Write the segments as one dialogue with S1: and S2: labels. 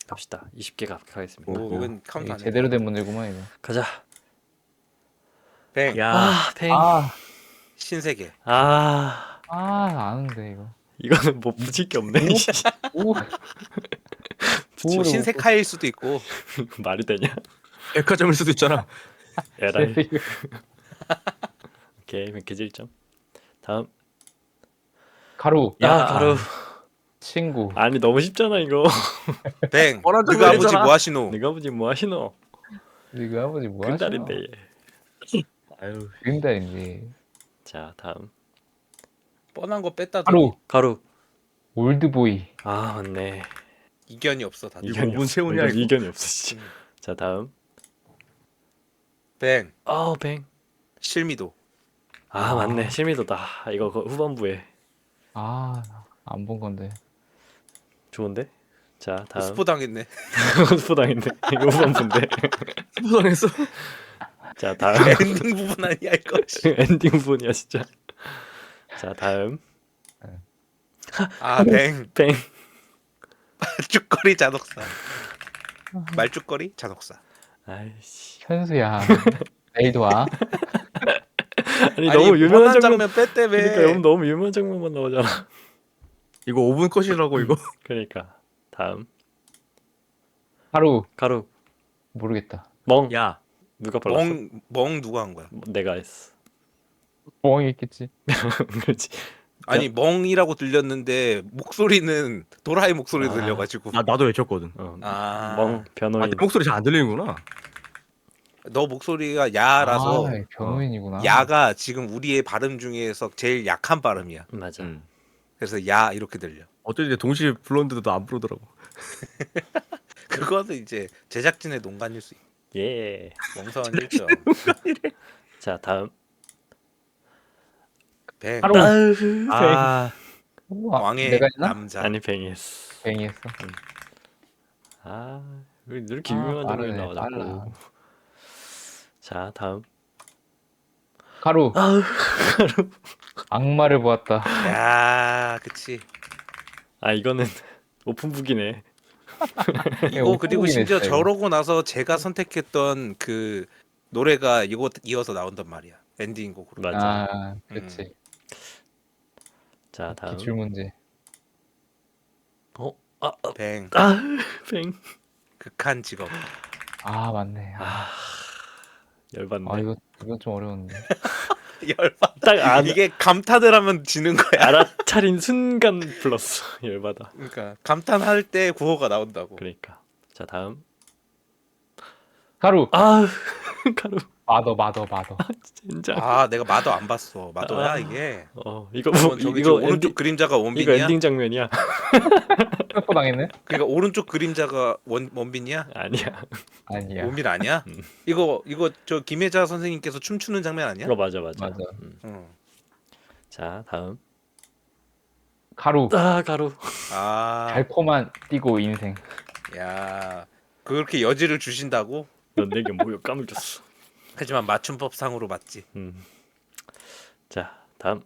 S1: 갑시다. 20개 가겠습니다.
S2: 오, 이건 카운트
S3: 이게
S2: 안 해.
S3: 제대로 된 문제구만 이거.
S1: 가자.
S2: 뱅.
S3: 야,
S1: 아, 팽.
S2: 신세계.
S3: 아는데 이거.
S1: 이거는 뭐 붙일 게 없네.
S3: 오,
S2: 뭐 신세카일 수도 있고.
S1: 말이 되냐?
S4: 백화점일 수도 있잖아.
S1: 에라이. 오케이, 개질점. 다음.
S3: 가루.
S1: 야, 가루.
S3: 친구.
S1: 아니 너무 쉽잖아 이거.
S2: 뱅.
S4: 뻔한
S2: 너가
S4: 정보를
S2: 아버지
S4: 했잖아.
S2: 뭐 하시노?
S1: 네가 아버지 뭐 하시노?
S3: 이거 아버지 뭐 하시나?
S1: 근달인데 얘.
S4: 아유,
S3: 근달인데.
S1: 자, 다음.
S2: 뻔한 거 뺐다.
S3: 가루.
S1: 가루.
S3: 올드보이.
S1: 아, 맞네.
S2: 이견이 없어 다들.
S4: 이거 오븐 세우냐,
S1: 이거
S4: 이거?
S1: 이견이 없어 진짜. 자, 다음.
S2: 뱅.
S1: 뱅.
S2: 실미도.
S1: 아, 맞네. 실미도다. 이거 그 후반부에.
S3: 안 본 건데.
S1: 좋은데? 자, 다음.
S2: 스포 당했네.
S1: 스포당했네. 이거 후반부인데.
S4: 수상했어.
S1: 자, 다음.
S2: 엔딩 부분 아니야 이거.
S1: 엔딩 부분이야 진짜. 자, 다음.
S2: 아 뱅.
S1: 뱅.
S2: 말죽거리 잔혹사. 말죽거리 잔혹사.
S1: 아이씨.
S3: 현수야. 내일도 와.
S1: 아니 너무 유명한
S2: 뻔한
S1: 장면.
S2: 장면 뺐다며.
S1: 그러니까 너무 유명한 장면만 나오잖아.
S4: 이거 5분 컷이라고 이거.
S1: 그러니까. 다음.
S3: 가루.
S1: 가루.
S3: 모르겠다.
S1: 멍.
S4: 야,
S1: 누가 발랐어?
S2: 멍 누가 한 거야?
S1: 내가 했어.
S3: 뻥이 있겠지.
S1: 그렇지.
S2: 아니 멍이라고 들렸는데 목소리는 도라이 목소리
S1: 아.
S2: 들려가지고.
S4: 나도 외쳤거든.
S2: 아.
S1: 멍
S4: 아,
S1: 변호인.
S4: 내 목소리 잘 안 들리는구나.
S2: 너 목소리가 야라서
S3: 변호인이구나.
S2: 야가 지금 우리의 발음 중에서 제일 약한 발음이야.
S1: 맞아.
S2: 그래서 야 이렇게 들려.
S4: 어쩐지 동시에 불렀는데도 안 부르더라고.
S2: 그거는 이제 제작진의 농간일 수 있고.
S1: 예.
S2: 멍성한 1점.
S1: 자, 다음.
S2: 뱅.
S3: 가루.
S4: 아,
S3: 우와,
S2: 왕의
S3: 내가 했나?
S2: 남자.
S1: 아니 뱅이했어.
S3: 뱅이했어.
S1: 왜 이렇게 유명한 장면이
S3: 빠르네,
S1: 나와
S3: 빨라.
S1: 자꾸. 자, 다음.
S3: 가루. 악마를 보았다.
S2: 야, 그치.
S1: 아, 이거는 오픈북이네.
S2: 이거 그리고
S3: 오프닝
S2: 심지어
S3: 했어요.
S2: 저러고 나서 제가 선택했던 그 노래가 이거 이어서 나온단 말이야. 엔딩 곡으로.
S1: 맞아.
S3: 그렇지.
S1: 자, 다음.
S3: 기출 문제.
S2: 뱅.
S1: 뱅.
S2: 극한 직업.
S3: 맞네.
S1: 열받네.
S3: 이건 좀 어려운데.
S2: 열받.
S1: 딱
S2: 이게 감탄을 하면 지는 거야.
S1: 알아차린 순간 불렀어. 열받아.
S2: 그러니까 감탄할 때 구호가 나온다고.
S1: 그러니까. 자, 다음.
S3: 가루.
S1: 가루.
S3: 마더.
S1: 진짜.
S2: 내가 마더 안 봤어. 마더야 이게.
S1: 이거
S2: 그러면 저기
S1: 이거
S2: 오른쪽 그림자가
S1: 이거
S2: 원빈이야.
S1: 엔딩 장면이야.
S3: 또 당했네?
S2: 그러니까 오른쪽 그림자가 원빈이야.
S1: 아니야.
S3: 아니야.
S2: 원빈 아니야? 이거 저 김혜자 선생님께서 춤추는 장면 아니야?
S1: 이거 맞아.
S3: 맞아.
S2: 응.
S1: 자, 다음.
S3: 가루.
S1: 가루.
S3: 달콤한 띠고 인생.
S2: 야, 그렇게 여지를 주신다고?
S1: 넌 내게 뭐여 까물었어.
S2: 하지만 맞춤법상으로 맞지.
S1: 자, 다음.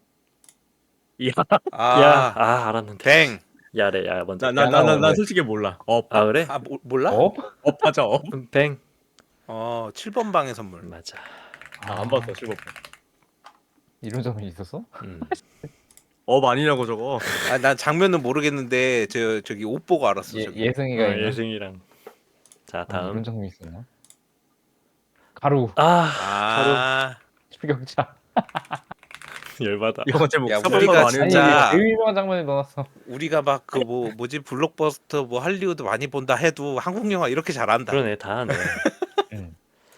S2: 아,
S1: 알았는데.
S2: 뱅.
S1: 야래, 야 먼저.
S4: 난 솔직히 몰라.
S1: 그래?
S2: 몰라?
S4: 하자.
S1: 뱅.
S2: 7번 방의 선물.
S1: 맞아.
S4: 안 봤어, 7번.
S3: 이런 점이 있었어?
S4: 아니냐고 저거.
S2: 난 장면은 모르겠는데 저기 옷 보고 알았어. 저기.
S3: 예승이가 있나?
S1: 예승이랑. 자, 다음.
S3: 이런 점이 있었나? 가루.
S2: 아,
S3: 추격자.
S1: 열받아.
S4: 이거 제목
S2: 야,
S4: 사발로
S2: 우리가
S4: 아니야.
S2: 진짜-
S3: 제일 유명한 장면에 넣어놨어.
S2: 우리가 막 그 뭐지 블록버스터 뭐 할리우드 많이 본다 해도 한국 영화 이렇게 잘한다.
S1: 그러네, 다 하네.
S3: 응.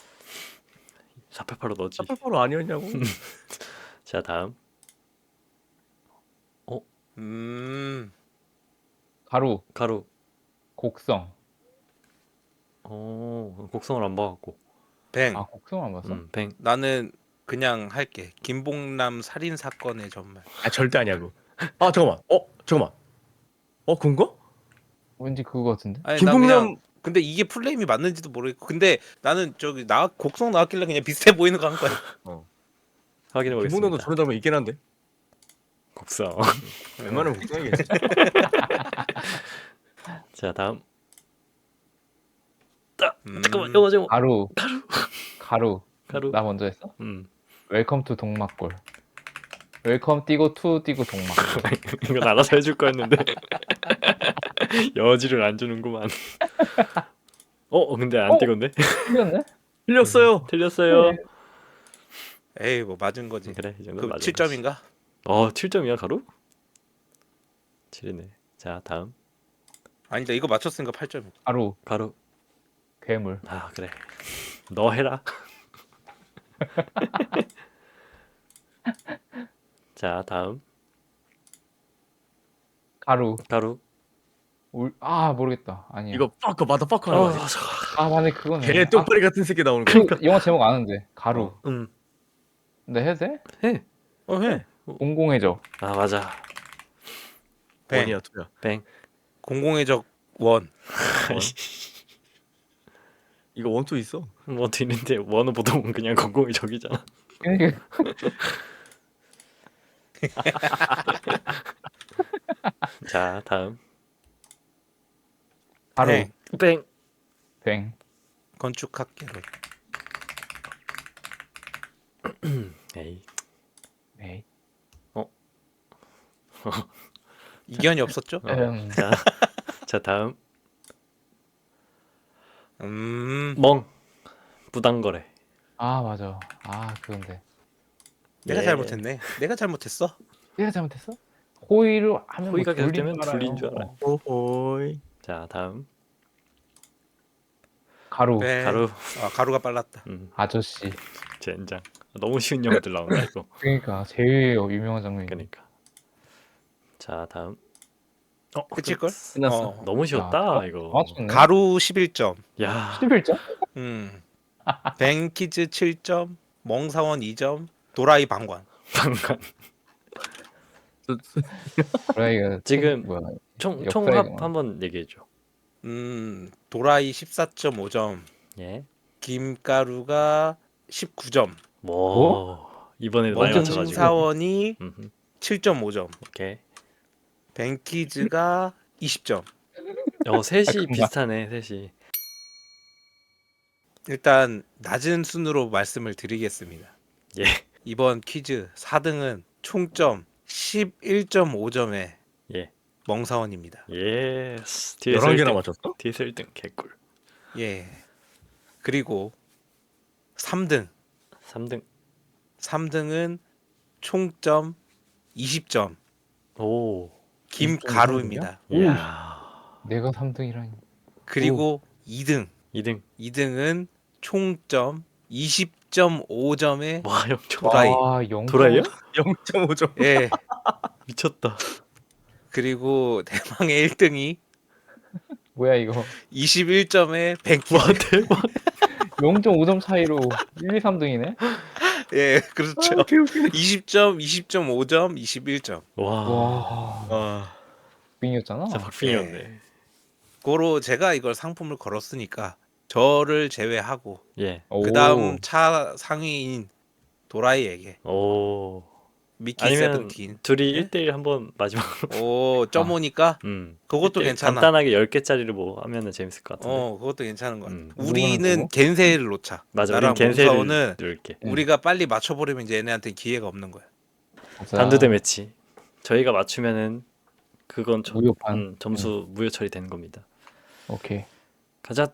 S1: 488로 넣지.
S4: 사발로 아니었냐고.
S1: 자, 다음.
S3: 가루.
S1: 가루.
S3: 곡성.
S1: 곡성을 안 봐갖고.
S2: 뱅.
S3: 곡성 안 봤어?
S1: 뱅.
S2: 나는 그냥 할게. 김봉남 살인 사건의 전말.
S4: 절대 아니야고. 잠깐만. 그건가?
S3: 왠지 그거 같은데?
S2: 아니, 나
S4: 김봉남
S2: 그냥 근데 이게 플레임이 맞는지도 모르겠고. 근데 나는 저기 곡성 나왔길래 그냥 비슷해 보이는 거 한 거야.
S1: 확인해 보겠습니다.
S4: 김봉남도 저런 장면 있긴 한데.
S1: 곡성.
S4: 웬만하면 국장이겠지.
S1: 자, 다음. 잠깐만 영어 제목.
S3: 가루.
S1: 가루.
S3: 가루.
S1: 가루.
S3: 나 먼저 했어?
S1: 음.
S3: 웰컴 투 동막골. 웰컴 띄고 투 띄고 동막.
S1: 이건 알아서 해줄 거였는데 여지를 안 주는구만. 근데 안
S3: 어?
S1: 띄건데?
S3: 틀렸네?
S4: 틀렸어요.
S1: 틀렸어요.
S3: 네.
S2: 에이 뭐 맞은 거지.
S1: 그래 이 정도
S2: 그
S1: 맞아.
S2: 7점인가?
S1: 7점이야 가루? 7이네. 자 다음
S2: 아니다 이거 맞췄으니까 8점.
S3: 가루.
S1: 가루.
S3: 괴물.
S1: 아 그래. 너 해라. 자 다음
S3: 가루.
S1: 가루.
S3: 모르겠다. 아니야.
S4: 이거 파커 마더파커 하는 거 아니야?
S3: 맞네 그거네.
S4: 개 똥파리 같은 새끼 나오는 거.
S3: 그 영화 제목 아는데. 가루. 근데 해도 돼?
S1: 해.
S2: 해.
S3: 공공해적.
S1: 아 맞아.
S2: 뱅.
S4: 원이야 투야.
S1: 뱅.
S2: 공공의 적 원.
S4: 이거 원투 있어.
S1: 뭐 뒤는데 원은 보통 그냥 공공의 적이잖아.
S3: 그러니까
S1: 자 다음
S3: 가루.
S2: 뱅.
S1: 뱅.
S3: 뱅.
S2: 건축학개론.
S1: 에이.
S3: 에이.
S2: 이견이 없었죠?
S1: 자 다음
S2: 음.
S1: 멍. 부당거래.
S3: 맞아. 그건데.
S2: 내가
S1: 예.
S2: 잘못했네. 내가 잘못했어.
S3: 내가 잘못했어? 호의를 하면
S1: 호의가
S3: 뭐
S1: 계속되면
S3: 둘린
S1: 둘린 줄 알아요.
S4: 오호이.
S1: 자 다음
S3: 가루.
S2: 뱅.
S1: 가루.
S2: 가루가 빨랐다.
S3: 아저씨.
S1: 젠장. 너무 쉬운 영어들 나온다 이거.
S3: 그러니까 제일 유명한 장면이.
S1: 그러니까. 자 다음.
S2: 끝일걸?
S4: 끝났어.
S1: 너무 쉬웠다
S3: 야,
S1: 이거.
S3: 맞췄네.
S2: 가루 11점.
S1: 야.
S3: 11점?
S2: 뱅키즈 7점. 멍사원 2점. 도라이 방관.
S1: 방관.
S3: 도라이가
S1: 지금
S3: 뭐야?
S1: 총합
S3: 역사의
S1: 한번 얘기해 줘.
S2: 도라이 14.5점.
S1: 예.
S2: 김가루가 19점.
S1: 뭐 이번에 많이 맞춰가지고.
S2: 멍사원이
S1: 음흠.
S2: 7.5점.
S1: 오케이.
S2: 뱅키즈가 20점.
S1: 셋이
S3: 잠깐만.
S1: 비슷하네 셋이.
S2: 일단 낮은 순으로 말씀을 드리겠습니다.
S1: 예.
S2: 이번 퀴즈 4등은 총점 11.5점의
S1: 예.
S2: 멍사원입니다.
S1: 예.
S4: 11개나 맞췄어?
S1: 뒤에서 1등 개꿀.
S2: 예. 그리고 3등.
S1: 3등.
S2: 3등은 총점 20점.
S1: 오.
S2: 김가루입니다.
S1: 이야.
S3: 내가 3등이라니.
S2: 그리고 2등.
S1: 2등.
S2: 2등은 총점 20.5점의
S1: 와 영초.
S2: 도라이.
S1: 도라이야?
S4: 0.5점.
S2: 예.
S1: 미쳤다.
S2: 그리고 대망의 1등이
S3: 뭐야 이거?
S2: 21점의 뱅키.
S1: 와 대박.
S3: 0.5점 차이로 1, 2, 3등이네?
S2: 예, 그렇죠. 20점, 20.5점, 21점.
S1: 와.
S4: 아,
S3: 빙이었잖아.
S1: 진짜 박빙이었네.
S2: 고로 제가 이걸 상품을 걸었으니까 저를 제외하고
S1: 예.
S2: 그 다음 차 상위인 도라이에게
S1: 오.
S2: 미키
S1: 아니면
S2: 세븐틴.
S1: 둘이
S2: 예?
S1: 1대1 한번 마지막.
S2: 오, 점오니까 그것도
S1: 1대1
S2: 괜찮아.
S1: 간단하게 10개짜리를 뭐 하면은 재밌을 것 같은데.
S2: 그것도 괜찮은 것 같아.
S1: 음.
S2: 우리는
S3: 누구는
S2: 겐세이를 놓자.
S1: 맞아.
S2: 나랑
S1: 우린 겐세를
S2: 몽사원은
S1: 누를게.
S2: 우리가 빨리 맞춰버리면 이제 얘네한테 기회가 없는 거야.
S1: 단두대 매치. 저희가 맞추면은 그건
S3: 무효판.
S1: 점수 무효 처리되는 겁니다.
S3: 오케이.
S1: 가자.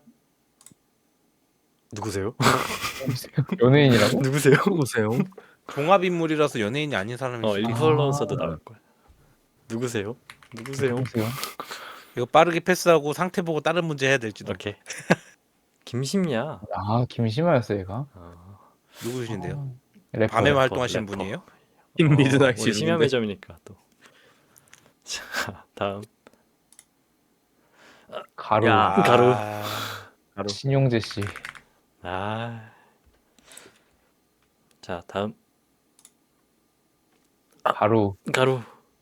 S1: 누구세요?
S3: 연예인이라고?
S1: 누구세요?
S4: 보세요.
S2: 종합 인물이라서 연예인이 아닌 사람이 있어.
S1: 인플루언서도 나올 거야. 누구세요? 누구세요?
S3: 누구세요?
S2: 이거 빠르게 패스하고 상태 보고 다른 문제 해야 될지도.
S1: 오케이. 김심야.
S3: 김심아였어 얘가.
S2: 누구신데요?
S3: 래퍼.
S2: 밤에
S1: 래퍼,
S2: 활동하시는
S1: 래퍼.
S2: 분이에요?
S4: 미드나잇
S1: 우리 심야
S4: 씨름인데.
S1: 매점이니까 또. 자, 다음.
S3: 가루.
S4: 야.
S1: 가루.
S4: 가루.
S3: 신용재 씨.
S1: 자, 다음.
S3: 가루.
S1: 가루.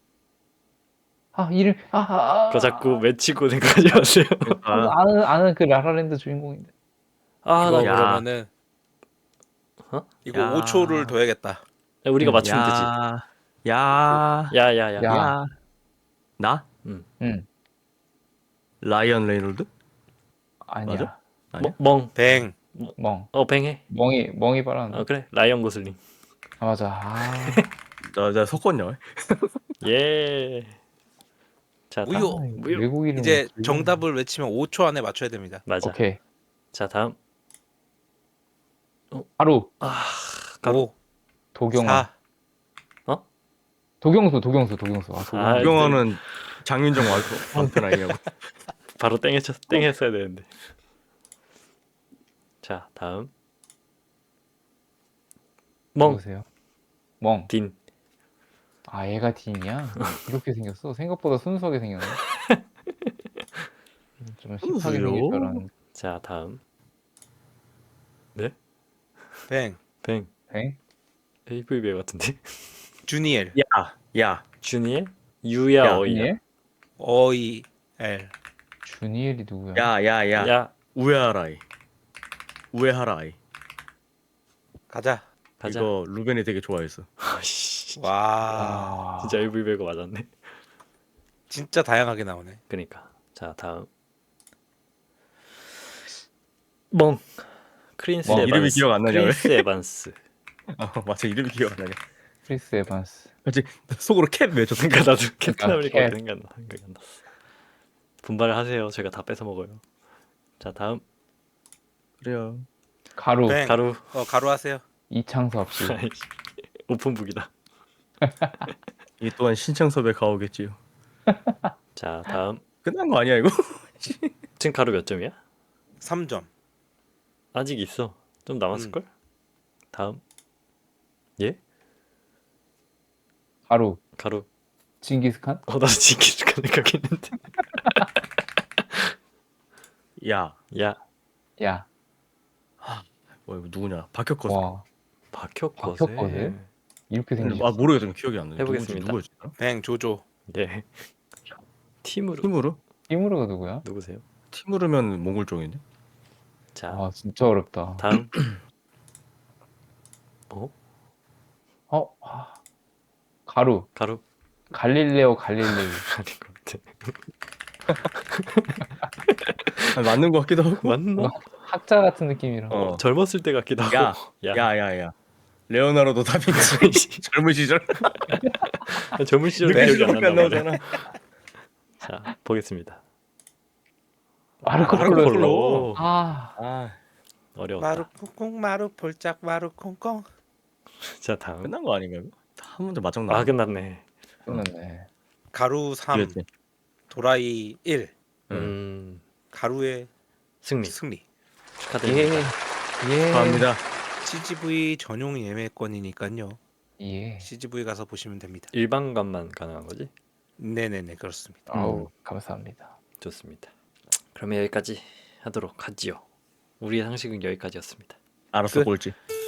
S3: 이름.
S1: 그거 자꾸 외치고 생각하지 마세요.
S3: 아는 그 라라랜드 주인공인데.
S2: 이거
S1: 나
S4: 야.
S2: 그러면은 이거
S4: 야.
S2: 5초를 둬야겠다.
S1: 우리가 맞추면 되지.
S4: 야.
S1: 야야야.
S3: 야.
S4: 나?
S3: 응.
S4: 라이언 레이놀드?
S3: 아니야.
S4: 맞아? 아니야?
S1: 멍.
S2: 뱅.
S3: 멍.
S1: 뱅해.
S3: 멍이 빨았네.
S1: 그래. 라이언 고슬링.
S3: 아 맞아. 아.
S4: 나 섞었냐?
S1: 예. 자, 다음.
S2: 우유.
S1: 무효.
S3: 외국 이름
S2: 이제 정답을 외치면 5초 안에 맞춰야 됩니다.
S1: 맞아.
S3: 오케이.
S1: 자, 다음.
S3: 하루
S1: 가루.
S2: 5,
S3: 도경아.
S2: 4,
S3: 도경수.
S1: 아,
S4: 유경아는 장윤정 완편 아니냐고.
S1: 바로 땡했어야 되는데. 자, 다음. 멍.
S3: 누구세요? 멍.
S1: 딘.
S3: 아 얘가 딘이야? 이렇게 생겼어? 생각보다 순수하게 생겼네. 좀 힙하게 생길 줄 알았는데.
S1: 자, 다음.
S2: 뱅.
S1: 뱅.
S3: 뱅?
S1: AV 배우 같은데.
S2: 주니엘.
S4: 야.
S1: 주니엘? 유야
S4: 야,
S1: 어이야.
S3: 주니엘?
S2: OEL.
S3: 주니엘이 누구야?
S4: 야.
S1: 야,
S4: 우에하라이.
S2: 가자.
S1: 가자.
S4: 이거 루벤이 되게 좋아했어.
S1: 씨,
S2: 와.
S3: 아,
S1: 진짜 AV 배우 맞았네.
S2: 진짜 다양하게 나오네.
S1: 그니까. 자, 다음. 멍. 크린스
S3: 멍.
S1: 에반스.
S4: 이름이 기억 안 나냐, 왜?
S1: 크린스 에반스.
S4: 맞아, 이름이 기억 안 나냐.
S3: 크리스 에반스.
S4: 그치, 속으로 캡 외쳤어.
S1: 그러니까 나도 캡틴
S3: 아,
S1: 아메리카
S3: 캡.
S1: 생각이 안 났어. 분발을 하세요. 제가 다 뺏어 먹어요. 자, 다음.
S4: 그래요.
S3: 가루.
S2: 뱅.
S1: 가루.
S2: 가루 하세요.
S3: 이창섭 씨.
S1: 오픈북이다.
S4: 이 또한 신창섭의 가오겠지요.
S1: 자, 다음.
S4: 끝난 거 아니야, 이거?
S1: 지금 가루 몇 점이야?
S2: 3점.
S1: 아직 있어. 좀 남았을 걸? 다음. 예?
S3: 가루.
S1: 가루.
S3: 징기스칸?
S1: 나도 지키를 생각했는데.
S4: 야.
S1: 야,
S3: 야.
S4: 이거 누구냐? 박혁거세.
S3: 와.
S1: 박혁거세.
S3: 박혁거세? 이렇게 생겼어.
S4: 아, 모르겠어. 기억이 안 나.
S1: 해보겠습니다.
S4: 누구였지?
S2: 뱅. 조조.
S1: 예. 팀으로.
S4: 티무르?
S3: 티무르가 누구야?
S1: 누구세요?
S4: 티무르면 몽골 쪽인데?
S1: 자,
S3: 아 진짜 어렵다.
S1: 다음. 어?
S3: 아, 가루.
S1: 가루.
S3: 갈릴레오.
S1: 아닌 것 같아.
S4: 맞는 거 같기도 하고.
S1: 맞나?
S3: 학자 같은 느낌이라.
S1: 젊었을 때 같기도 하고.
S4: 야. 레오나르도 다빈치. 젊은 시절.
S1: 젊은 시절
S2: 네,
S1: 기억이 안
S4: 기억이 안
S1: 난다 말이야.
S4: 나오잖아.
S1: 자, 보겠습니다.
S3: 마르코
S4: 마르코
S3: 폴로.
S4: 폴로.
S3: 아,
S1: 어려웠다.
S2: 마루 콩콩 마루 폴짝 마루 콩콩.
S1: 자, 다음.
S4: 끝난 거 아닌가, 이거? 한 문제 맞짱 나.
S1: 끝났네.
S3: 끝났네.
S2: 가루 3. 도라이 1. 가루의
S1: 승리.
S2: 승리.
S1: 축하드립니다.
S3: 예.
S4: 감사합니다.
S2: CGV 전용 예매권이니까요.
S3: 예.
S2: CGV 가서 보시면 됩니다.
S1: 일반관만 가능한 거지?
S2: 네네네 그렇습니다.
S3: 아우 감사합니다.
S1: 좋습니다. 그러면 여기까지 하도록 하지요. 우리의 상식은 여기까지였습니다.
S4: 알았어,
S2: 끝.
S4: 꼴찌.